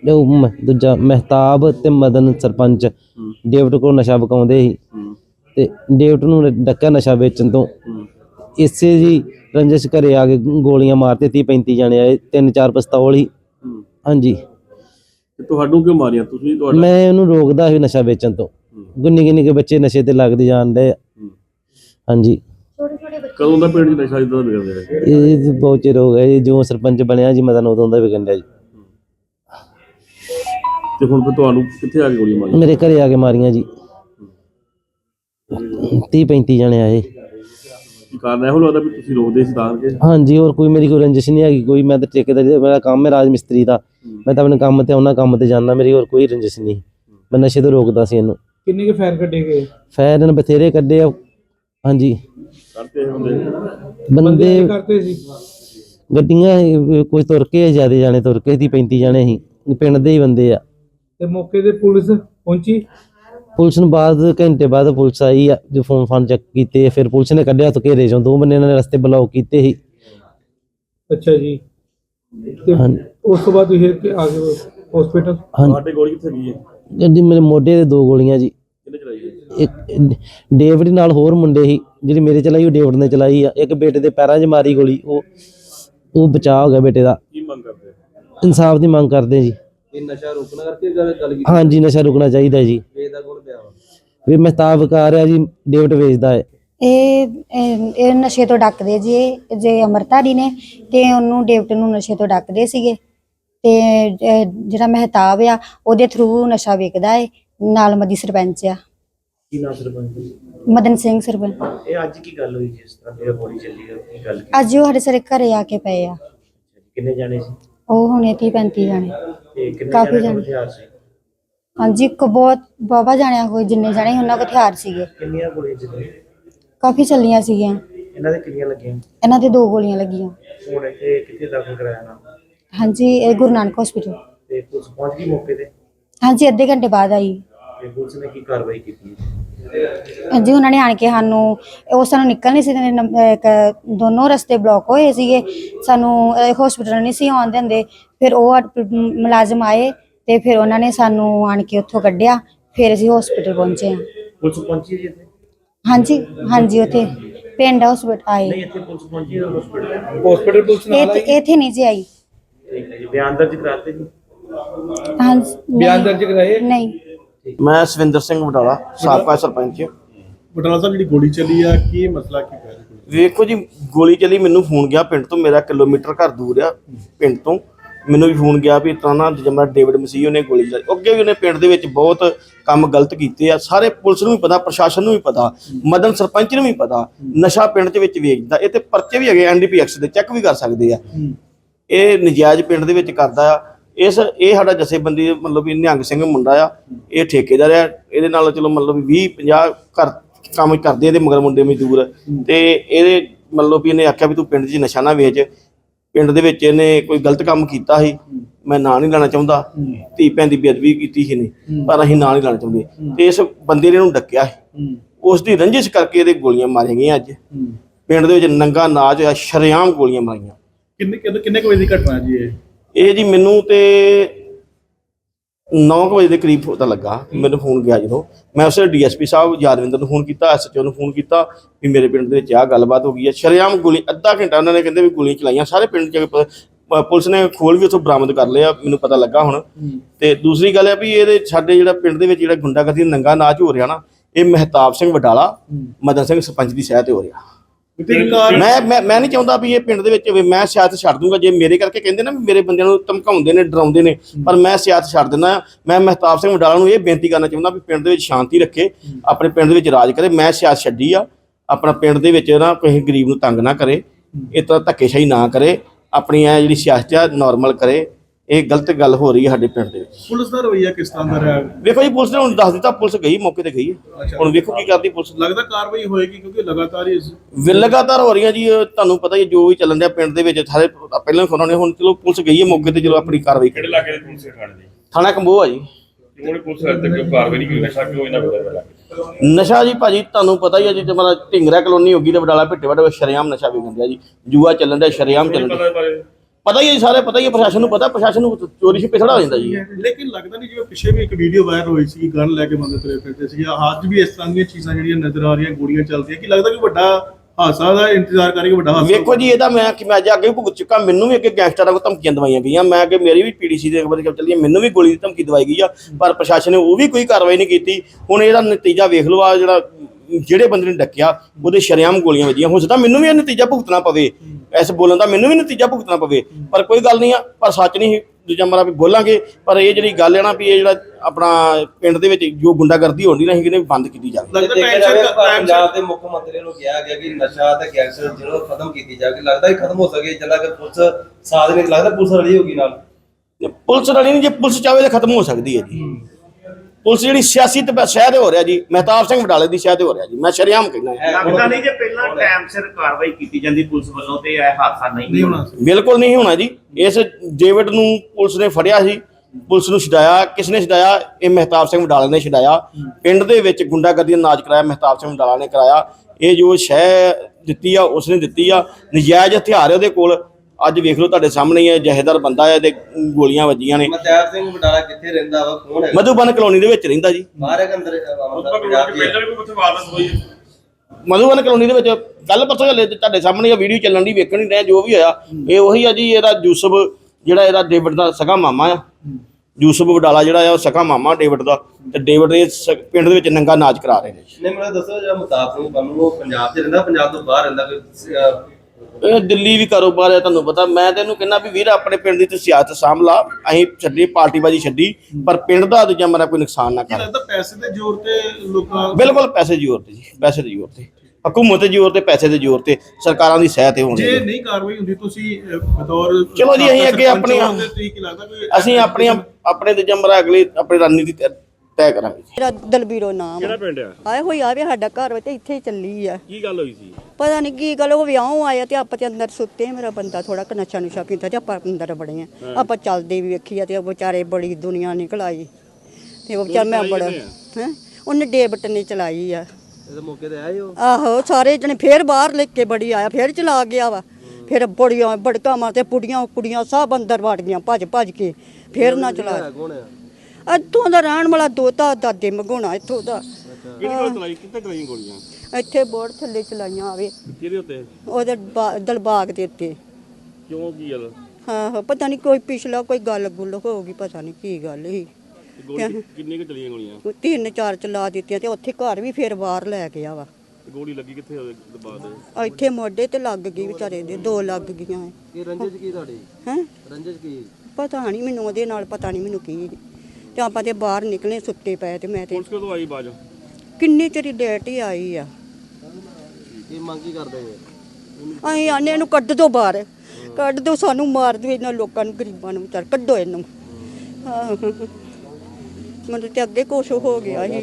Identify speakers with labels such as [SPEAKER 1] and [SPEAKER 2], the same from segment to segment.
[SPEAKER 1] ਦੂਜਾ ਮਹਿਤਾਬ ਤੇ ਮਦਨ ਸਰਪੰਚ ਡੇਵਿਡ ਕੋਲ ਨਸ਼ਾ ਵਿਕਾਉਂਦੇ ਸੀ ਤੇ ਡੇਵਿਡ ਨੂੰ ਡੱਕਿਆ ਨਸ਼ਾ ਵੇਚਣ ਤੋਂ। ਇਸੇ ਜੀ ਰੰਜਿਸ਼ ਘਰੇ ਆ ਕੇ ਗੋਲੀਆਂ ਮਾਰਤੇ 30-35 ਜਾਣੇ ਆਏ, 3-4 ਪਿਸਤੌਲ ਹੀ। ਹਾਂਜੀ।
[SPEAKER 2] ਤੁਹਾਨੂੰ ਕਿਉਂ ਮਾਰੀਆਂ ਤੁਸੀਂ?
[SPEAKER 1] ਮੈਂ ਉਹਨੂੰ ਰੋਕਦਾ ਸੀ ਨਸ਼ਾ ਵੇਚਣ ਤੋਂ। ਗੁੰਨੀ ਕੇ ਬੱਚੇ ਨਸ਼ੇ ਤੇ ਲੱਗਦੇ ਜਾਣ ਡਏ। ਹਾਂਜੀ।
[SPEAKER 2] ਕਦੋਂ ਦਾ ਪਿੰਡ 'ਚ ਨਸ਼ਾ ਇਦਾਂ ਵਿਕਦਾ?
[SPEAKER 1] ਇਹ ਬਹੁਤ ਚਿਰ ਹੋ ਗਿਆ ਜੀ, ਜੋ ਸਰਪੰਚ ਬਣਿਆ ਜੀ ਮਦਨ ਉਦੋਂ ਦਾ ਵਿਕਣ ਡਿਆ ਜੀ।
[SPEAKER 2] ਤੇ ਹੁਣ ਫਿਰ ਤੁਹਾਨੂੰ ਕਿੱਥੇ ਆ ਕੇ ਗੋਲੀਆਂ ਮਾਰੀਆਂ?
[SPEAKER 1] ਮੇਰੇ ਘਰੇ ਆ ਕੇ ਮਾਰੀਆਂ ਜੀ। 30-35 ਜਣੇ ਆਏ।
[SPEAKER 2] ਕੀ ਕਾਰਨ ਇਹੋ ਲੱਗਦਾ ਵੀ ਤੁਸੀਂ ਰੋਕਦੇ ਸੀ ਤਾਂ ਕਰਕੇ?
[SPEAKER 1] ਹਾਂਜੀ, ਹੋਰ ਕੋਈ ਮੇਰੀ ਕੋਈ ਰੰਜਿਸ਼ ਨਹੀਂ ਹੈਗੀ ਕੋਈ। ਮੈਂ ਤਾਂ ਠੇਕੇਦਾਰੀ, ਮੇਰਾ ਕੰਮ ਹੈ ਰਾਜ ਮਿਸਤਰੀ ਦਾ। ਮੈਂ ਤਾਂ ਆਪਣੇ ਕੰਮ ਤੇ ਉਹਨਾਂ ਕੰਮ ਤੇ ਜਾਂਦਾ, ਮੇਰੀ ਹੋਰ ਕੋਈ ਰੰਜਿਸ਼ ਨਹੀਂ। ਮੈਂ ਨਸ਼ੇ ਤੋਂ ਰੋਕਦਾ ਸੀ ਇਹਨੂੰ।
[SPEAKER 3] ਕਿੰਨੇ ਕੇ ਫਾਇਰ ਕੱਢੇ ਗਏ?
[SPEAKER 1] ਫਾਇਰ ਇਹਨੇ ਬਥੇਰੇ ਕੱਢੇ ਆ। ਹਾਂਜੀ।
[SPEAKER 2] ਕਰਦੇ
[SPEAKER 1] ਬੰਦੇ
[SPEAKER 3] ਕਰਦੇ ਸੀ
[SPEAKER 1] ਗੱਡੀਆਂ ਕੋਈ ਤੁਰ ਕੇ, ਜ਼ਿਆਦਾ ਜਾਣੇ ਤੁਰ ਕੇ 30-35 ਜਾਣੇ ਸੀ, ਪਿੰਡ ਦੇ ਹੀ ਬੰਦੇ ਆ।
[SPEAKER 3] ਤੇ ਮੌਕੇ ਤੇ ਪੁਲਿਸ ਪਹੁੰਚੀ?
[SPEAKER 1] ਪੁਲਿਸ ਨੂੰ ਬਾਅਦ ਘੰਟੇ ਬਾਅਦ ਪੁਲਿਸ ਆਈ ਆ, ਜੋ ਫੋਨ ਚੈੱਕ ਕੀਤੇ, ਫਿਰ ਪੁਲਿਸ ਨੇ ਕੱਢਿਆ ਤੋਂ ਘੇਰੇ ਚੋਂ। 2 ਬੰਦੇ ਇਹਨਾਂ ਨੇ ਰਸਤੇ ਬਲੌਕ ਕੀਤੇ ਸੀ।
[SPEAKER 3] ਅੱਛਾ ਜੀ। ਤੇ ਉਸ ਤੋਂ ਬਾਅਦ ਤੁਸੀਂ ਆ ਗਏ ਹਸਪੀਟਲ?
[SPEAKER 2] ਤੁਹਾਡੇ ਗੋਲੀ ਕਿੱਥੇ ਗਈ ਹੈ?
[SPEAKER 1] ਗੱਡੀ ਮੇਰੇ ਮੋਢੇ ਤੇ 2 ਗੋਲੀਆਂ ਜੀ।
[SPEAKER 2] ਕਿਹਨੇ ਚਲਾਈ ਹੈ?
[SPEAKER 1] ਇੱਕ ਡੇਵਿਡ ਨਾਲ ਹੋਰ ਮੁੰਡੇ ਸੀ, ਜਿਹੜੀ ਮੇਰੇ ਚਲਾਈ ਉਹ ਡੇਵਿਡ ਨੇ ਚਲਾਈ ਆ। ਇੱਕ ਬੇਟੇ ਦੇ ਪੈਰਾਂ 'ਚ ਮਾਰੀ ਗੋਲੀ, ਉਹ ਬਚਾਅ ਹੋ ਗਿਆ ਬੇਟੇ ਦਾ।
[SPEAKER 2] ਕੀ ਮੰਗ ਕਰਦੇ?
[SPEAKER 1] ਇਨਸਾਫ ਦੀ ਮੰਗ ਕਰਦੇ ਜੀ।
[SPEAKER 3] ਇਹ ਨਸ਼ਾ ਰੋਕਣਾ ਕਰਕੇ ਗੱਲ ਕੀਤੀ?
[SPEAKER 1] ਹਾਂਜੀ, ਨਸ਼ਾ ਰੁਕਣਾ ਚਾਹੀਦਾ ਜੀ।
[SPEAKER 3] ਵੇਚਦਾ ਕੋਲ ਪਿਆ
[SPEAKER 1] ਵੀ ਮਹਿਤਾਬ ਵਿਕਾ ਰਿਹਾ ਜੀ, ਡੇਵਿਡ ਵੇਚਦਾ ਹੈ।
[SPEAKER 4] ਇਹ ਨਸ਼ੇ ਤੋਂ ਡੱਕਦੇ ਜੀ। ਜੇ ਅਮਰਤਾਰੀ ਨੇ ਤੇ ਉਹਨੂੰ ਡੇਵਿਡ ਨੂੰ ਨਸ਼ੇ ਤੋਂ ਡੱਕਦੇ ਸੀਗੇ ਤੇ ਜਿਹੜਾ ਮਹਿਤਾਬ ਆ ਉਹਦੇ ਥਰੂ ਨਸ਼ਾ ਵਿਕਦਾ ਹੈ। ਨਾਲ ਮਦੀ ਸਰਪੰਚ ਆ।
[SPEAKER 5] ਕੀ ਨਾਮ ਸਰਪੰਚ?
[SPEAKER 4] ਮਦਨ ਸਿੰਘ ਸਰਪੰਚ।
[SPEAKER 5] ਇਹ ਅੱਜ ਕੀ ਗੱਲ ਹੋਈ ਜਿਸ ਤਰ੍ਹਾਂ ਮੇਰਾ ਗੋਲੀ ਚੱਲੀ ਹੈ? ਕੀ ਗੱਲ?
[SPEAKER 4] ਅੱਜ ਉਹ ਸਾਡੇ ਸਾਰੇ ਘਰੇ ਆ ਕੇ ਪਏ ਆ।
[SPEAKER 5] ਕਿੰਨੇ ਜਾਣੇ ਸੀ?
[SPEAKER 4] ਉਹ ਹੁਣੇ 30-35 ਜਾਣੇ।
[SPEAKER 5] ਤੇ ਕਿੰਨੇ
[SPEAKER 4] ਕਾਫੀ
[SPEAKER 5] ਜਾਣੇ
[SPEAKER 4] ਜਾਣੇ।
[SPEAKER 5] ਹਥਿਆਰ ਸੀ?
[SPEAKER 4] ਹਾਂਜੀ, ਬਹੁਤ ਬਾਬਾ ਜਾਣਿਆ ਕੋਈ ਜਿੰਨੇ ਜਾਣੇ ਉਹਨਾਂ ਕੋਲ ਹਥਿਆਰ ਸੀਗੇ।
[SPEAKER 5] ਕਿੰਨੀਆਂ ਗੋਲੀਆਂ ਚੱਲੀਆਂ?
[SPEAKER 4] ਕਾਫੀ ਚੱਲੀਆਂ ਸੀਗੀਆਂ।
[SPEAKER 5] ਇਹਨਾਂ ਦੇ ਕਿੰਨੀਆਂ ਲੱਗੀਆਂ?
[SPEAKER 4] ਇਹਨਾਂ ਦੇ 2 ਗੋਲੀਆਂ ਲੱਗੀਆਂ।
[SPEAKER 5] ਹੁਣ ਇਹ ਕਿੱਥੇ ਦਾਖਲ ਕਰਾਇਆ ਨਾ?
[SPEAKER 4] ਹਾਂਜੀ, ਇਹ ਗੁਰੂ ਨਾਨਕ ਹਸਪੀਟਲ।
[SPEAKER 5] ਤੇ ਪੁਲਿਸ ਪਹੁੰਚ ਗਈ ਮੌਕੇ ਤੇ?
[SPEAKER 4] ਹਾਂਜੀ, ਅੱਧੇ ਘੰਟੇ ਬਾਅਦ ਆਈ।
[SPEAKER 5] ਤੇ ਪੁਲਿਸ ਨੇ ਕੀ ਕਾਰਵਾਈ ਕੀਤੀ?
[SPEAKER 4] ਜੀ ਉਹਨਾਂ ਨੇ ਆਣ ਕੇ ਸਾਨੂੰ ਨਿਕਲ ਨਹੀਂ ਸੀ ਦਿੰਦੇ। ਦੋਨੋਂ ਰਸਤੇ ਬਲੌਕ ਹੋਏ ਸੀਗੇ, ਸਾਨੂੰ ਹਸਪੀਟਲ ਨਹੀਂ ਸੀ ਆਉਣ ਦਿੰਦੇ। ਫਿਰ ਉਹ ਮੁਲਾਜ਼ਮ ਆਏ ਤੇ ਫਿਰ ਉਹਨਾਂ ਨੇ ਸਾਨੂੰ ਆਣ ਕੇ ਉੱਥੋਂ ਕੱਢਿਆ। ਫਿਰ ਅਸੀਂ ਹਸਪੀਟਲ ਪਹੁੰਚੇ ਹਾਂ।
[SPEAKER 5] ਪੁਲਿਸ ਪਹੁੰਚੀ ਜੀ ਇੱਥੇ?
[SPEAKER 4] ਹਾਂਜੀ, ਉੱਥੇ ਪਿੰਡ ਹਸਪੀਟਲ ਆਏ।
[SPEAKER 5] ਨਹੀਂ, ਇੱਥੇ ਪੁਲਿਸ ਪਹੁੰਚੀ ਹੈ
[SPEAKER 3] ਹਸਪੀਟਲ ਪੁਲਿਸ ਨਾਲ ਆਈ?
[SPEAKER 4] ਇੱਥੇ ਨਹੀਂ ਜੀ ਆਈ।
[SPEAKER 5] ਠੀਕ ਹੈ ਜੀ। ਬਿਆਨ ਦਰਜ ਕਰਾਤੇ ਜੀ?
[SPEAKER 4] ਹਾਂਜੀ,
[SPEAKER 3] ਬਿਆਨ ਦਰਜ ਕਰਾਏ?
[SPEAKER 4] ਨਹੀਂ।
[SPEAKER 6] ਮੈਂ ਸਵਿੰਦਰ ਸਿੰਘ ਬਟਾਲਾ, ਸਾਬਕਾ ਸਰਪੰਚ।
[SPEAKER 2] ਬਟਾਲਾ ਸਾਹਿਬ, ਜਿਹੜੀ ਗੋਲੀ ਚੱਲੀ ਆ ਕੀ ਮਸਲਾ ਕੀ ਹੈ?
[SPEAKER 6] ਵੇਖੋ ਜੀ, ਗੋਲੀ ਚੱਲੀ, ਮੈਨੂੰ ਫੋਨ ਗਿਆ ਪਿੰਡ ਤੋਂ। ਮੇਰਾ ਕਿਲੋਮੀਟਰ ਘਰ ਦੂਰ ਆ ਪਿੰਡ ਤੋਂ। ਮੈਨੂੰ ਵੀ ਫੋਨ ਗਿਆ ਵੀ ਤਾਂ ਨਾ ਜਮਾ ਡੇਵਿਡ ਮਸੀਹ ਉਹਨੇ ਗੋਲੀ ਚਲਾਈ। ਅੱਗੇ ਵੀ ਉਹਨੇ ਪਿੰਡ ਦੇ ਵਿੱਚ ਬਹੁਤ ਕੰਮ ਗਲਤ ਕੀਤੇ ਆ। ਸਾਰੇ ਪੁਲਿਸ ਨੂੰ ਵੀ ਪਤਾ, ਪ੍ਰਸ਼ਾਸਨ ਨੂੰ ਵੀ ਪਤਾ, ਮਦਨ ਸਰਪੰਚ ਨੂੰ ਵੀ ਪਤਾ। ਨਸ਼ਾ ਪਿੰਡ ਦੇ ਵਿੱਚ ਵੇਚਦਾ। ਇਹ ਤੇ ਪਰਚੇ ਵੀ ਹੈਗੇ NDPX ਦੇ, ਚੈੱਕ ਵੀ ਕਰ ਸਕਦੇ ਆ। ਇਹ ਨਜਾਇਜ਼ ਪਿੰਡ ਦੇ ਵਿੱਚ ਕਰਦਾ ਆ। ਇਹ ਸਾਡਾ ਜਥੇਬੰਦੀ ਮਤਲਬ ਵੀ ਨਿਹੰਗ ਸਿੰਘ ਮੁੰਡਾ ਆ। ਇਹ ਠੇਕੇਦਾਰ ਆ। ਇਹਦੇ ਨਾਲ ਚਲੋ ਮਤਲਬ 20-50 ਘਰ ਕੰਮ ਕਰਦੇ ਇਹਦੇ ਮਗਰ ਮੁੰਡੇ ਮਜ਼ਦੂਰ। ਤੇ ਇਹਦੇ ਮਤਲਬ ਵੀ ਇਹਨੇ ਆਖਿਆ ਵੀ ਤੂੰ ਪਿੰਡ 'ਚ ਨਸ਼ਾ ਨਾ ਵੇਚ। ਪਿੰਡ ਦੇ ਵਿੱਚ ਇਹਨੇ ਕੋਈ ਗਲਤ ਕੰਮ ਕੀਤਾ ਸੀ, ਮੈਂ ਨਾਂ ਨਹੀਂ ਲੈਣਾ ਚਾਹੁੰਦਾ। ਧੀ ਭੈਣ ਦੀ ਬੇਅਦਬੀ ਕੀਤੀ ਸੀ ਇਹਨੇ, ਪਰ ਅਸੀਂ ਨਾਂ ਨਹੀਂ ਲੈਣਾ ਚਾਹੁੰਦੇ। ਤੇ ਇਸ ਬੰਦੇ ਨੇ ਇਹਨੂੰ ਡੱਕਿਆ ਸੀ। ਉਸ ਦੀ ਰੰਜਿਸ਼ ਕਰਕੇ ਇਹਦੇ ਗੋਲੀਆਂ ਮਾਰੀਆਂ ਗਈਆਂ। ਅੱਜ ਪਿੰਡ ਦੇ ਵਿੱਚ ਨੰਗਾ ਨਾਚ ਹੋਇਆ, ਸ਼ਰੇਆਮ ਗੋਲੀਆਂ ਮਾਰੀਆਂ।
[SPEAKER 2] ਕਿੰਨੇ ਕੁ ਵਜੇ ਦੀ ਘਟਨਾ ਜੀ
[SPEAKER 6] ਇਹ ਜੀ ਮੈਨੂੰ ਤੇ 9 ਵਜੇ ਦੇ ਕਰੀਬ ਪਤਾ ਲੱਗਾ। ਮੈਨੂੰ ਫੋਨ ਗਿਆ ਜਦੋਂ ਮੈਂ ਉਸੇ DSP ਸਾਹਿਬ ਯਾਦਵਿੰਦਰ ਨੂੰ ਫੋਨ ਕੀਤਾ, SHO ਨੂੰ ਫੋਨ ਕੀਤਾ ਵੀ ਮੇਰੇ ਪਿੰਡ ਦੇ ਵਿੱਚ ਆਹ ਗੱਲਬਾਤ ਹੋ ਗਈ ਹੈ। ਸ਼ਰੇਆਮ ਗੋਲੀ, ਅੱਧਾ ਘੰਟਾ ਉਹਨਾਂ ਨੇ ਕਹਿੰਦੇ ਵੀ ਗੋਲੀਆਂ ਚਲਾਈਆਂ ਸਾਰੇ ਪਿੰਡ 'ਚ। ਪੁਲਿਸ ਨੇ ਖੋਲ ਵੀ ਉੱਥੋਂ ਬਰਾਮਦ ਕਰ ਲਿਆ, ਮੈਨੂੰ ਪਤਾ ਲੱਗਾ ਹੁਣ। ਤੇ ਦੂਸਰੀ ਗੱਲ ਹੈ ਵੀ ਇਹਦੇ ਸਾਡੇ ਜਿਹੜਾ ਪਿੰਡ ਦੇ ਵਿੱਚ ਜਿਹੜਾ ਗੁੰਡਾਗਰਦੀ ਨੰਗਾ ਨਾਚ ਹੋ ਰਿਹਾ ਨਾ, ਇਹ ਮਹਿਤਾਬ ਸਿੰਘ ਵਡਾਲਾ, ਮਦਨ ਸਿੰਘ ਸਰਪੰਚ ਦੀ ਸਹਿ ਤੇ ਹੋ ਰਿਹਾ। ਮੈਂ ਨਹੀਂ ਚਾਹੁੰਦਾ ਵੀ ਇਹ ਪਿੰਡ ਦੇ ਵਿੱਚ ਹੋਵੇ। ਮੈਂ ਸਿਆਸਤ ਛੱਡ ਦੂੰਗਾ ਜੇ ਮੇਰੇ ਕਰਕੇ ਕਹਿੰਦੇ ਨਾ ਵੀ ਮੇਰੇ ਬੰਦਿਆਂ ਨੂੰ ਧਮਕਾਉਂਦੇ ਨੇ, ਡਰਾਉਂਦੇ ਨੇ, ਪਰ ਮੈਂ ਸਿਆਸਤ ਛੱਡ ਦਿੰਦਾ। ਮੈਂ ਮਹਿਤਾਬ ਸਿੰਘ ਵਡਾਲਾ ਨੂੰ ਇਹ ਬੇਨਤੀ ਕਰਨਾ ਚਾਹੁੰਦਾ ਵੀ ਪਿੰਡ ਦੇ ਵਿੱਚ ਸ਼ਾਂਤੀ ਰੱਖੇ, ਆਪਣੇ ਪਿੰਡ ਦੇ ਵਿੱਚ ਰਾਜ ਕਰੇ। ਮੈਂ ਸਿਆਸਤ ਛੱਡੀ ਆ। ਆਪਣਾ ਪਿੰਡ ਦੇ ਵਿੱਚ ਨਾ ਕਿਸੇ ਗਰੀਬ ਨੂੰ ਤੰਗ ਨਾ ਕਰੇ, ਇਸ ਤਰ੍ਹਾਂ ਧੱਕੇਸ਼ਾਹੀ ਨਾ ਕਰੇ, ਆਪਣੀ ਇਹ ਜਿਹੜੀ ਸਿਆਸਤ ਆ ਨਾਰਮਲ ਕਰੇ। ਇਹ ਗਲਤ ਗੱਲ ਹੋ ਰਹੀ ਹੈ ਸਾਡੇ ਪਿੰਡ ਦੇ ਵਿੱਚ।
[SPEAKER 2] ਪੁਲਿਸ ਦਾ ਰਵੱਈਆ ਕਿਸ ਤਰ੍ਹਾਂ ਦਾ ਰਿਹਾ?
[SPEAKER 6] ਵੇਖੋ ਜੀ, ਪੁਲਿਸ ਨੇ ਹੁਣ ਦੱਸ ਦਿੱਤਾ, ਪੁਲਿਸ ਗਈ ਮੌਕੇ ਤੇ ਗਈ ਹੈ। ਹੁਣ ਵੇਖੋ ਕੀ ਕਰਦੀ ਪੁਲਿਸ।
[SPEAKER 2] ਲੱਗਦਾ ਕਾਰਵਾਈ ਹੋਏਗੀ ਕਿਉਂਕਿ
[SPEAKER 6] ਲਗਾਤਾਰ ਹੋ ਰਹੀਆਂ ਜੀ। ਤੁਹਾਨੂੰ ਪਤਾ ਹੀ ਜੋ ਵੀ ਚੱਲਣ ਡਿਆ ਪਿੰਡ ਦੇ ਵਿੱਚ ਸਾਰੇ ਪਹਿਲਾਂ ਖੋਣਾ ਨੇ। ਹੁਣ ਚਲੋ ਪੁਲਿਸ ਗਈ ਹੈ ਮੌਕੇ ਤੇ, ਚਲੋ ਆਪਣੀ ਕਾਰਵਾਈ।
[SPEAKER 2] ਕਿਹੜੇ ਇਲਾਕੇ ਦੇ ਪੁਲਿਸ ਥਾਣੇ ਦੀ?
[SPEAKER 6] ਥਾਣਾ ਕੰਬੋਹ ਆ ਜੀ।
[SPEAKER 2] ਉਹਨੇ ਪੁਲਿਸ ਹੱਦ ਤੱਕ ਕਾਰਵਾਈ ਨਹੀਂ ਕੀਤੀ। ਨਸ਼ਾ ਕਿਉਂ ਇਹਨਾਂ ਕੋਲ?
[SPEAKER 6] ਨਸ਼ਾ ਜੀ ਭਾਜੀ ਤੁਹਾਨੂੰ ਪਤਾ ਹੀ ਹੈ ਜੀ। ਤੇ ਢਿੰਗਰਾ ਕਲੋਨੀ ਹੋ ਗਈ ਤੇ ਵਡਾਲਾ ਭਿੱਟੇ ਵੜੇ ਸ਼ਰੇਆਮ ਨਸ਼ਾ ਵਿਕਣ ਡਿਆ ਜੀ। ਜੂਆ ਚੱਲਣ ਡਿਆ, ਸ਼ਰੇਆਮ ਚੱਲਣ ਡਿਆ। ਪਤਾ ਹੀ ਹੈ ਜੀ, ਸਾਰੇ ਪਤਾ ਹੀ ਹੈ, ਪ੍ਰਸ਼ਾਸਨ ਨੂੰ ਪਤਾ, ਪ੍ਰਸ਼ਾਸਨ ਨੂੰ ਚੋਰੀ ਛਿਪੇ ਥੋੜਾ ਹੋ ਜਾਂਦਾ ਜੀ।
[SPEAKER 7] ਲੇਕਿਨ ਲੱਗਦਾ ਨਹੀਂ ਜਿਵੇਂ ਪਿੱਛੇ ਵੀ ਇੱਕ ਵੀਡੀਓ ਵਾਇਰਲ ਹੋਈ ਸੀ, ਗਨ ਲੈ ਕੇ ਬੰਦੇ ਤੁਰੇ ਫਿਰਦੇ ਸੀ, ਅੱਜ ਵੀ ਇਸ ਤਰ੍ਹਾਂ ਦੀਆਂ ਚੀਜ਼ਾਂ ਜਿਹੜੀਆਂ ਨਜ਼ਰ ਆ ਰਹੀਆਂ, ਗੋਲੀਆਂ ਚੱਲਦੀਆਂ, ਕਿ ਲੱਗਦਾ ਕਿ ਵੱਡਾ ਹਾਦਸਾ ਦਾ ਇੰਤਜ਼ਾਰ ਕਰੀਏ, ਵੱਡਾ ਹਾਦਸਾ।
[SPEAKER 6] ਵੇਖੋ ਜੀ, ਇਹਦਾ ਮੈਂ ਅੱਜ ਅੱਗੇ ਵੀ ਭੁਗਤ ਚੁੱਕਾ, ਮੈਨੂੰ ਵੀ ਅੱਗੇ ਗੈਂਗਸਟਰਾਂ ਕੋਲ ਧਮਕੀਆਂ ਦਵਾਈਆਂ ਗਈਆਂ, ਮੈਂ ਅੱਗੇ ਮੇਰੀ ਵੀ ਪੀਡੀਸੀ ਦੇ ਖਬਰ ਚੱਲੀ, ਮੈਨੂੰ ਵੀ ਗੋਲੀ ਦੀ ਧਮਕੀ ਦਵਾਈ ਗਈ ਆ, ਪਰ ਪ੍ਰਸ਼ਾਸਨ ਨੇ ਉਹ ਵੀ ਕੋਈ ਕਾਰਵਾਈ ਨਹੀਂ ਕੀਤੀ। ਹੁਣ ਇਹਦਾ ਨਤੀਜਾ ਵੇਖ ਲਓ, ਆ ਜਿਹੜੇ ਬੰਦੇ ਨੇ ਡੱਕਿਆ ਉਹਦੇ ਸ਼ਰੇਆਮ ਗੋਲੀਆਂ ਵੱਜੀਆਂ। ਹੋ ਸਕਦਾ ਮੈਨੂੰ ਵੀ ਇਹ ਨਤੀਜਾ ਭੁਗਤਣਾ ਪਵੇ, ਐਸ ਬੋਲਣ ਦਾ ਮੈਨੂੰ ਵੀ ਨਤੀਜਾ ਭੁਗਤਣਾ ਪਵੇ, ਪਰ ਕੋਈ ਗੱਲ ਨਹੀਂ ਆ, ਪਰ ਸੱਚ ਨਹੀਂ ਦੂਜਾ ਮਰਾ ਵੀ ਬੋਲਾਂਗੇ। ਪਰ ਇਹ ਜਿਹੜੀ ਗੱਲ ਹੈ ਨਾ ਵੀ ਇਹ ਜਿਹੜਾ ਆਪਣਾ ਪਿੰਡ ਦੇ ਵਿੱਚ ਜੋ ਗੁੰਡਾਗਰਦੀ ਹੋਣੀ ਨਾ, ਅਸੀਂ ਕਹਿੰਦੇ ਬੰਦ ਕੀਤੀ ਜਾਵੇ।
[SPEAKER 8] ਪੰਜਾਬ ਦੇ ਮੁੱਖ ਮੰਤਰੀ ਨੂੰ ਕਿਹਾ ਗਿਆ ਕਿ ਨਸ਼ਾ ਤੇ ਗੈਂਗਸਟਰ ਜਿਹਨੂੰ ਖਤਮ ਕੀਤੀ ਜਾਵੇ, ਲੱਗਦਾ ਹੀ ਖਤਮ ਹੋ ਸਕੇ, ਜਿੱਦਾਂ ਕਿ ਪੁਲਿਸ ਸਾਥ ਨਹੀਂ ਲੱਗਦਾ, ਪੁਲਿਸ ਰਲੀ ਹੋਗੀ ਨਾਲ।
[SPEAKER 6] ਪੁਲਿਸ ਰਲੀ ਨਹੀਂ, ਜੇ ਪੁਲਿਸ ਚਾਹੇ ਤਾਂ ਖਤਮ ਹੋ ਸਕਦੀ ਹੈ ਜੀ। ਪੁਲਿਸ ਜਿਹੜੀ ਸਿਆਸੀ ਸ਼ਹਿ ਤੇ ਹੋ ਰਿਹਾ ਜੀ, ਮਹਿਤਾਬ ਸਿੰਘ ਵਡਾਲੇ ਦੀ ਸ਼ਹਿ ਤੇ ਹੋ ਰਿਹਾ ਜੀ, ਮੈਂ ਸ਼ਰੇਆਮ ਕਹਿੰਦਾ।
[SPEAKER 5] ਲੱਗਦਾ ਨਹੀਂ ਜੇ ਪਹਿਲਾਂ ਟਾਈਮ ਸਿਰ ਕਾਰਵਾਈ ਕੀਤੀ ਜਾਂਦੀ ਪੁਲਿਸ ਵੱਲੋਂ ਤੇ ਇਹ ਹਾਦਸਾ ਨਹੀਂ ਹੋਣਾ।
[SPEAKER 6] ਬਿਲਕੁਲ ਨਹੀਂ ਹੋਣਾ ਜੀ। ਇਸ ਡੇਵਿਡ ਨੂੰ ਪੁਲਿਸ ਨੇ ਫੜਿਆ ਸੀ, ਪੁਲਿਸ ਨੂੰ ਛਡਾਇਆ, ਕਿਸ ਨੇ ਛਡਾਇਆ? ਇਹ ਮਹਿਤਾਬ ਸਿੰਘ ਵਡਾਲੇ ਨੇ ਛਡਾਇਆ। ਪਿੰਡ ਦੇ ਵਿੱਚ ਗੁੰਡਾਗਰਦੀ ਦਾ ਨਾਚ ਕਰਾਇਆ ਮਹਿਤਾਬ ਸਿੰਘ ਵਡਾਲਾ ਨੇ ਕਰਾਇਆ। ਇਹ ਜੋ ਸ਼ਹਿ ਦਿੱਤੀ ਆ ਉਸਨੇ ਦਿੱਤੀ ਆ, ਨਜਾਇਜ਼ ਹਥਿਆਰ ਉਹਦੇ ਕੋਲ। ਅੱਜ ਵੇਖ ਲਓ ਤੁਹਾਡੇ ਸਾਹਮਣੇ ਹੀ ਹੈ, ਜਹੇਦਾਰ ਬੰਦਾ ਹੈ ਤੇ ਗੋਲੀਆਂ ਵੱਜੀਆਂ ਨੇ।
[SPEAKER 8] ਮਹਿਤਾਬ ਸਿੰਘ ਵਡਾਲਾ ਕਿੱਥੇ ਰਹਿੰਦਾ ਵਾ, ਕੌਣ ਹੈ?
[SPEAKER 6] ਮਧੂਬਨ ਕਲੋਨੀ ਦੇ ਵਿੱਚ ਰਹਿੰਦਾ ਜੀ।
[SPEAKER 8] ਬਾਹਰ ਹੈ ਅੰਦਰ?
[SPEAKER 2] ਪਹਿਲਾਂ ਵੀ ਉੱਥੇ ਵਾਰਦਾਤ ਹੋਈ ਹੈ।
[SPEAKER 6] ਮਧੂਬਨ ਕਲੋਨੀ ਦੇ ਵਿੱਚ ਕੱਲ ਪਰਸੋਂ ਹਲੇ ਤੁਹਾਡੇ ਸਾਹਮਣੇ ਵੀਡੀਓ ਚੱਲਣ ਦੀ ਵੇਖਣ ਹੀ ਰਹੇ, ਜੋ ਵੀ ਹੋਇਆ ਇਹ ਉਹੀ ਆ ਜੀ। ਇਹਦਾ ਯੂਸਫ ਜਿਹੜਾ ਇਹਦਾ ਡੇਵਿਡ ਦਾ ਸਗਾ ਮਾਮਾ ਆ, ਯੂਸਫ ਵਡਾਲਾ ਜਿਹੜਾ ਆ ਉਹ ਸਗਾ ਮਾਮਾ ਡੇਵਿਡ ਦਾ, ਤੇ ਡੇਵਿਡ ਦੇ ਪਿੰਡ ਦੇ ਵਿੱਚ ਨੰਗਾ ਨਾਚ ਕਰਾ ਰਹੇ ਨੇ।
[SPEAKER 8] ਨਹੀਂ, ਮੈਨੂੰ ਦੱਸੋ, ਜਿਹੜਾ ਮਹਿਤਾਬ ਸਿੰਘ ਬੰਨੂ ਉਹ ਪੰਜਾਬ 'ਚ ਰਹਿੰਦਾ, ਪੰਜਾਬ ਤੋਂ ਬਾਹਰ ਰਹਿੰਦਾ ਕੋਈ?
[SPEAKER 6] ਇਹ ਦਿੱਲੀ ਵੀ ਕਾਰੋਬਾਰ ਹੈ, ਤੁਹਾਨੂੰ ਪਤਾ। ਮੈਂ ਤੈਨੂੰ ਕਹਿੰਦਾ ਵੀ ਵੀਰ ਆਪਣੇ ਪਿੰਡ ਦੀ ਤੇ ਸਿਆਸਤ ਸਾਂਭ ਲਾ, ਅਸੀਂ ਛੱਡੀ ਪਾਰਟੀਬਾਜ਼ੀ ਛੱਡੀ, ਪਰ ਪਿੰਡ ਦਾ ਦੂਜਾ ਮੇਰਾ ਕੋਈ ਨੁਕਸਾਨ ਨਾ ਕਰ।
[SPEAKER 7] ਲੱਗਦਾ ਪੈਸੇ ਦੇ ਜ਼ੋਰ ਤੇ ਲੋਕਾਂ
[SPEAKER 6] ਬਿਲਕੁਲ ਪੈਸੇ ਦੀ ਜ਼ੋਰ ਤੇ ਜੀ, ਪੈਸੇ ਦੀ ਜ਼ੋਰ ਤੇ, ਹਕੂਮਤ ਦੇ ਜ਼ੋਰ ਤੇ, ਪੈਸੇ ਦੇ ਜ਼ੋਰ ਤੇ, ਸਰਕਾਰਾਂ ਦੀ ਸਹਿ ਤੇ ਹੋਣੀ।
[SPEAKER 7] ਜੇ ਨਹੀਂ ਕਾਰਵਾਈ ਹੁੰਦੀ ਤੁਸੀਂ ਬਤੌਰ
[SPEAKER 6] ਚਲੋ ਜੀ, ਅਸੀਂ ਅੱਗੇ ਆਪਣੀਆਂ
[SPEAKER 7] ਕੀ ਲੱਗਦਾ ਕੋਈ
[SPEAKER 6] ਅਸੀਂ ਆਪਣੇ ਦੂਜਾ ਮੇਰਾ ਅਗਲੀ ਆਪਣੀ ਰਣਨੀਤੀ ਤੈਅ ਕਰਾਂਗੇ।
[SPEAKER 9] ਮੇਰਾ ਦਲਬੀਰੋ ਨਾਮ
[SPEAKER 2] ਕਿਹੜਾ ਪਿੰਡ ਆ?
[SPEAKER 9] ਆਏ ਹੋਈ ਆਵੇ ਸਾਡਾ ਘਰ ਵੇ ਤੇ ਇੱਥੇ ਹੀ ਚੱਲੀ ਆ।
[SPEAKER 2] ਕੀ ਗੱਲ ਹੋਈ ਸੀ?
[SPEAKER 9] ਪਤਾ ਨਹੀਂ ਕੀ ਗੱਲ, ਉਹ ਵਿਆਹ ਆਇਆ ਤੇ ਆਪਾਂ ਤੇ ਅੰਦਰ ਸੁੱਤੇ, ਮੇਰਾ ਬੰਦਾ ਥੋੜਾ ਨਸ਼ਾ ਨੁਸ਼ਾ ਪੀਂਦਾ ਤੇ ਆਪਾਂ ਅੰਦਰ ਬੜੇ ਆ। ਆਪਾਂ ਚੱਲਦੇ ਵੀ ਵੇਖੀ ਆ ਤੇ ਉਹ ਵਿਚਾਰੇ ਬੜੀ ਦੁਨੀਆ ਨਿਕਲ ਆਈ ਤੇ ਉਹ ਵਿਚਾਰ ਮੈਂ ਬੜਾ ਹੈ ਉਹਨੇ ਡੇਬਟ ਨੇ ਚਲਾਈ ਆ।
[SPEAKER 8] ਇਹਦੇ ਮੌਕੇ ਤੇ ਆਏ ਹੋ?
[SPEAKER 9] ਆਹੋ, ਸਾਰੇ ਜਣੇ ਫੇਰ ਬਾਹਰ ਲੈ ਕੇ ਬੜੀ ਆਇਆ, ਫੇਰ ਚਲਾ ਗਿਆ ਵਾ। ਫਿਰ ਬੜੀਆਂ ਬੜਕਾ ਮਾਰ ਤੇ ਕੁੜੀਆਂ ਸਭ ਅੰਦਰ ਵੜ ਗਈਆਂ ਭੱਜ ਕੇ, ਫੇਰ ਨਾ ਚਲਾਇਆ।
[SPEAKER 8] ਕੌਣ ਹੈ?
[SPEAKER 9] ਇੱਥੋਂ ਦਾ ਰਹਿਣ ਵਾਲਾ ਦੋਤਾ ਦਾਦੇ ਮਗਾਉਣਾ ਇੱਥੋਂ ਦਾ।
[SPEAKER 2] ਕਿਹੜੀ ਗੱਲ ਚਲਾਈ? ਕਿੱਥੇ ਚਲਾਈਆਂ ਗੋਲੀਆਂ?
[SPEAKER 9] ਇੱਥੇ ਬੋਰਡ ਥੱਲੇ ਚਲਾਈਆਂ ਆਵੇ,
[SPEAKER 2] ਕਿਹਦੇ ਉੱਤੇ?
[SPEAKER 9] ਉਹਦੇ ਦਲਬਾਗ ਦੇ ਉੱਤੇ।
[SPEAKER 2] ਕਿਉਂ, ਕੀ ਗੱਲ?
[SPEAKER 9] ਹਾਂ, ਪਤਾ ਨਹੀਂ ਕੋਈ ਪਿਛਲਾ ਕੋਈ ਗੱਲ ਗੁੱਲ ਹੋ ਗਈ, ਪਤਾ ਨਹੀਂ ਕੀ ਗੱਲ ਸੀ।
[SPEAKER 2] ਗੋਲੀ ਕਿੰਨੇ ਕੁ ਚਲੀਆਂ ਗੋਲੀਆਂ?
[SPEAKER 9] 3-4 ਚਲਾ ਦਿੱਤੀਆਂ ਤੇ ਉੱਥੇ ਘਰ ਵੀ ਫੇਰ ਬਾਹਰ ਲੈ ਗਿਆ ਵਾ।
[SPEAKER 2] ਗੋਲੀ ਲੱਗੀ ਕਿੱਥੇ ਉਹਦੇ ਬਾਅਦ?
[SPEAKER 9] ਇੱਥੇ ਮੋਢੇ ਤੇ ਲੱਗ ਗਈ ਵਿਚਾਰੇ ਦੇ, 2 ਲੱਗ ਗਈਆਂ।
[SPEAKER 8] ਇਹ ਰੰਜਿਸ਼ ਕੀ ਤੁਹਾਡੀ?
[SPEAKER 9] ਹੈ
[SPEAKER 8] ਰੰਜਿਸ਼ ਕੀ?
[SPEAKER 9] ਪਤਾ ਨਹੀਂ ਮੈਨੂੰ, ਉਹਦੇ ਨਾਲ ਪਤਾ ਨਹੀਂ ਮੈਨੂੰ ਕੀ। ਤੇ ਆਪਾਂ ਤੇ ਬਾਹਰ ਨਿਕਲੇ ਸੁੱਤੇ ਪਏ ਤੇ ਮੈਂ ਤੇ
[SPEAKER 2] ਪੁਲਿਸ ਕਦੋਂ ਆਈ ਬਾਅਦ?
[SPEAKER 9] ਕਿੰਨੀ ਚਿਰ ਲੇਟ ਹੀ ਆਈ ਆ।
[SPEAKER 8] ਇਹ ਮੰਗ ਕੀ ਕਰਦੇ ਹੋ?
[SPEAKER 9] ਅਸੀਂ ਆਨੇ ਇਹਨੂੰ ਕੱਢ ਦੋ ਬਾਹਰ, ਕੱਢ ਦੋ, ਸਾਨੂੰ ਮਾਰ ਦਿਓ ਇਹਨਾਂ ਲੋਕਾਂ ਨੂੰ, ਗਰੀਬਾਂ ਨੂੰ ਵਿਚਾਰ ਕੱਢੋ ਇਹਨੂੰ। ਹਾਂ, ਮੈਨੂੰ ਤੇ ਅੱਗੇ ਕੁਛ ਹੋ ਗਿਆ ਸੀ।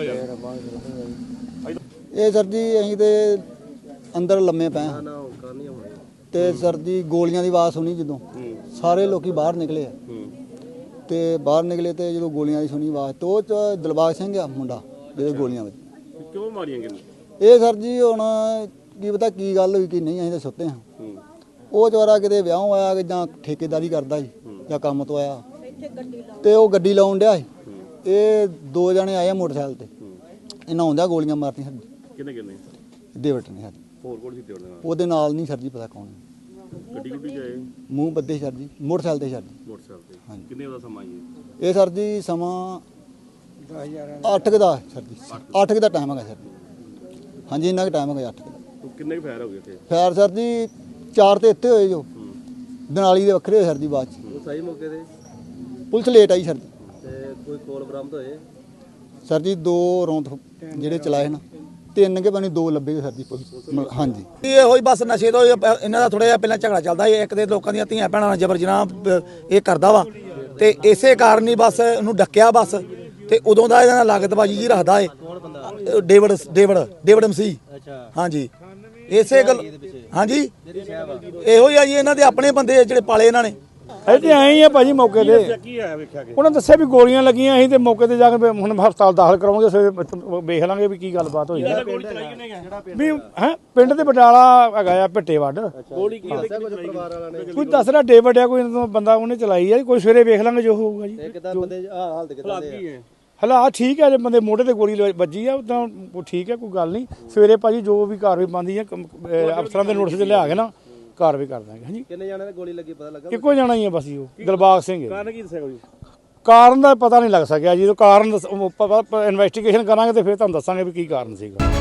[SPEAKER 10] ਇਹ ਸਰ ਜੀ ਅਸੀਂ ਤੇ ਅੰਦਰ ਲੰਮੇ ਪਏ ਹਾਂ ਤੇ ਸਰ ਜੀ ਗੋਲੀਆਂ ਦੀ ਆਵਾਜ਼ ਸੁਣੀ, ਜਦੋਂ ਸਾਰੇ ਲੋਕੀ ਬਾਹਰ ਨਿਕਲੇ ਆ ਤੇ ਬਾਹਰ ਨਿਕਲੇ ਤੇ ਜਦੋਂ ਗੋਲੀਆਂ ਦੀ ਸੁਣੀ ਆਵਾਜ਼ ਤੇ ਉਹ 'ਚ ਦਿਲਬਾਗ ਸਿੰਘ ਆ ਮੁੰਡਾ ਜਿਹਦੇ ਗੋਲੀਆਂ ਵਿੱਚ।
[SPEAKER 2] ਕਿਉਂ ਮਾਰੀਆਂ ਕਿੰਨੇ?
[SPEAKER 10] ਇਹ ਸਰ ਜੀ ਹੁਣ ਕੀ ਪਤਾ ਕੀ ਗੱਲ ਹੋਈ ਕਿ ਨਹੀਂ, ਅਸੀਂ ਤਾਂ ਸੁੱਤੇ ਹਾਂ। ਉਹ ਚਵਾਰਾ ਕਿਤੇ ਵਿਆਹ ਆਇਆ ਕਿ ਜਾਂ ਠੇਕੇਦਾਰੀ ਕਰਦਾ ਸੀ ਜਾਂ ਕੰਮ ਤੋਂ ਆਇਆ ਤੇ ਉਹ ਗੱਡੀ ਲਾਉਣ ਡਿਆ ਸੀ। ਇਹ 2 ਜਣੇ ਆਏ ਆ ਮੋਟਰਸਾਈਕਲ ਤੇ, ਇਹਨਾਂ ਆਉਂਦਿਆਂ ਗੋਲੀਆਂ ਮਾਰਤੀਆਂ।
[SPEAKER 2] ਕਿੰਨੇ ਕਿੰਨੇ?
[SPEAKER 10] ਡੇਵਿਡ ਨੇ ਸਾਡੀ।
[SPEAKER 2] ਹੋਰ ਕੋਲ ਸੀ ਤੇ
[SPEAKER 10] ਉਹਦੇ ਨਾਲ ਨਹੀਂ ਸਰ ਜੀ ਪਤਾ ਕੌਣ।
[SPEAKER 2] ਗੱਡੀ ਜਾਏ
[SPEAKER 10] ਮੂੰਹ ਬੱਦੇ ਸਰ ਜੀ, ਮੋਟਰਸਾਈਕਲ ਤੇ ਸਰ ਜੀ।
[SPEAKER 2] ਮੋਟਰਸਾਈਕਲ ਤੇ?
[SPEAKER 10] ਹਾਂਜੀ।
[SPEAKER 2] ਕਿੰਨੇ ਦਾ ਸਮਾਂ ਜੀ
[SPEAKER 10] ਇਹ ਸਰ ਜੀ ਸਮਾਂ 8 ਦਾ ਸਰ ਜੀ, 8 ਦਾ ਟਾਈਮ ਹੈਗਾ ਸਰ ਜੀ। ਹਾਂਜੀ, ਇੰਨਾ ਕੁ ਟਾਈਮ ਹੈਗਾ 8 ਦਾ।
[SPEAKER 2] ਕਿੰਨੇ ਕੁ ਫਾਇਰ ਹੋ ਗਏ ਇੱਥੇ?
[SPEAKER 10] ਫਾਇਰ ਸਰ ਜੀ 4 ਤੇ ਇੱਥੇ ਹੋਏ ਜੋ, ਦਨਾਲੀ ਦੇ ਵੱਖਰੇ ਹੋਏ ਸਰ ਜੀ ਬਾਅਦ ਚ।
[SPEAKER 8] ਉਹ ਸਹੀ ਮੌਕੇ ਤੇ?
[SPEAKER 10] ਪੁਲਿਸ ਲੇਟ ਆਈ ਸਰ ਜੀ।
[SPEAKER 8] ਤੇ ਕੋਈ ਕੋਲ ਬਰਾਮਦ ਹੋਏ?
[SPEAKER 10] ਸਰ ਜੀ 2 ਰੌਂਦ ਜਿਹੜੇ ਚਲਾਏ ਨਾ, 3 ਕੇ ਬਣੀ 2 ਲੱਭੇ ਸਰ ਜੀ ਪੁਲਿਸ। ਹਾਂਜੀ,
[SPEAKER 11] ਇਹ ਹੋਈ ਬਸ ਨਸ਼ੇ ਤੋਂ ਇਹਨਾਂ ਦਾ ਥੋੜਾ ਜਿਹਾ ਪਹਿਲਾਂ ਝਗੜਾ ਚੱਲਦਾ ਸੀ, ਇੱਕ ਦੇ ਲੋਕਾਂ ਦੀਆਂ ਧੀਆਂ ਭੈਣਾਂ ਨਾਲ ਜਬਰ ਜਨਾਹ ਇਹ ਕਰਦਾ ਵਾ ਤੇ ਇਸੇ ਕਾਰਨ ਹੀ ਬਸ ਉਹਨੂੰ ਡੱਕਿਆ ਬਸ। ਤੇ ਉਦੋਂ ਦਾ ਇਹਨਾਂ ਨਾਲ ਲਾਗਤਬਾਜੀ ਜੀ ਰੱਖਦਾ ਏ ਡੇਵਿਡ ਮਸੀਹ। ਹਾਂਜੀ, ਇਸੇ ਗੱਲ। ਹਾਂਜੀ, ਇਹੋ ਹੀ ਆ ਜੀ, ਇਹਨਾਂ ਦੇ ਆਪਣੇ ਬੰਦੇ ਜਿਹੜੇ ਪਾਲੇ ਇਹਨਾਂ ਨੇ। ਇੱਥੇ ਆਏ ਹੀ ਆ ਭਾਜੀ ਮੌਕੇ ਤੇ
[SPEAKER 7] ਕੀ ਆਇਆ ਵੇਖਿਆ ਕਿ
[SPEAKER 11] ਉਹਨਾਂ ਦੱਸਿਆ ਵੀ ਗੋਲੀਆਂ ਲੱਗੀਆਂ ਅਸੀਂ ਤੇ ਮੌਕੇ ਤੇ ਜਾ ਕੇ ਹੁਣ ਹਸਪਤਾਲ ਦਾਖਲ ਕਰਾਵਾਂਗੇ ਸਵੇਰੇ ਵੇਖ ਲਾਂਗੇ ਵੀ ਕੀ ਗੱਲਬਾਤ ਹੋਈ ਹੈ ਵੀ ਹੈ ਪਿੰਡ ਦੇ ਬਟਾਲਾ ਹੈਗਾ ਆ ਭਿੱਟੇ ਵੱਡ
[SPEAKER 7] ਗੋਲੀ ਕੀ
[SPEAKER 11] ਕੋਈ ਦੱਸ ਰਿਹਾ ਡੇਵਿਡ ਆ ਕੋਈ ਬੰਦਾ ਉਹਨੇ ਚਲਾਈ ਆ ਕੋਈ ਸਵੇਰੇ ਵੇਖ ਲਾਂਗੇ ਜੋ ਹੋਊਗਾ ਜੀ ਹਾਲਾਤ ਠੀਕ ਹੈ ਜੇ ਬੰਦੇ ਮੋਢੇ ਤੇ ਗੋਲੀ ਵੱਜੀ ਆ ਉਦਾਂ ਠੀਕ ਹੈ ਕੋਈ ਗੱਲ ਨਹੀਂ ਸਵੇਰੇ ਭਾਜੀ ਜੋ ਵੀ ਕਾਰਵਾਈ ਬਣਦੀ ਹੈ ਅਫਸਰਾਂ ਦੇ ਨੋਟਿਸ 'ਚ ਲਿਆ ਕੇ ਨਾ ਕਾਰਵਾਈ ਕਰ ਦਾਂਗੇ ਹਾਂਜੀ
[SPEAKER 8] ਕਿੰਨੇ ਜਾਣੇ ਨੇ ਗੋਲੀ ਲੱਗੀ ਪਤਾ ਲੱਗਾ
[SPEAKER 11] ਇੱਕੋ ਜਾਣਾ ਹੀ ਆ ਬਸ ਜੀ ਉਹ ਦਿਲਬਾਗ ਸਿੰਘ
[SPEAKER 7] ਕਾਰਨ ਕੀ ਦੱਸਿਆ ਕੋਈ
[SPEAKER 11] ਕਾਰਨ ਦਾ ਪਤਾ ਨਹੀਂ ਲੱਗ ਸਕਿਆ ਜੀ ਕਾਰਨ ਇਨਵੈਸਟੀਗੇਸ਼ਨ ਕਰਾਂਗੇ ਤੇ ਫਿਰ ਤੁਹਾਨੂੰ ਦੱਸਾਂਗੇ ਵੀ ਕੀ ਕਾਰਨ ਸੀਗਾ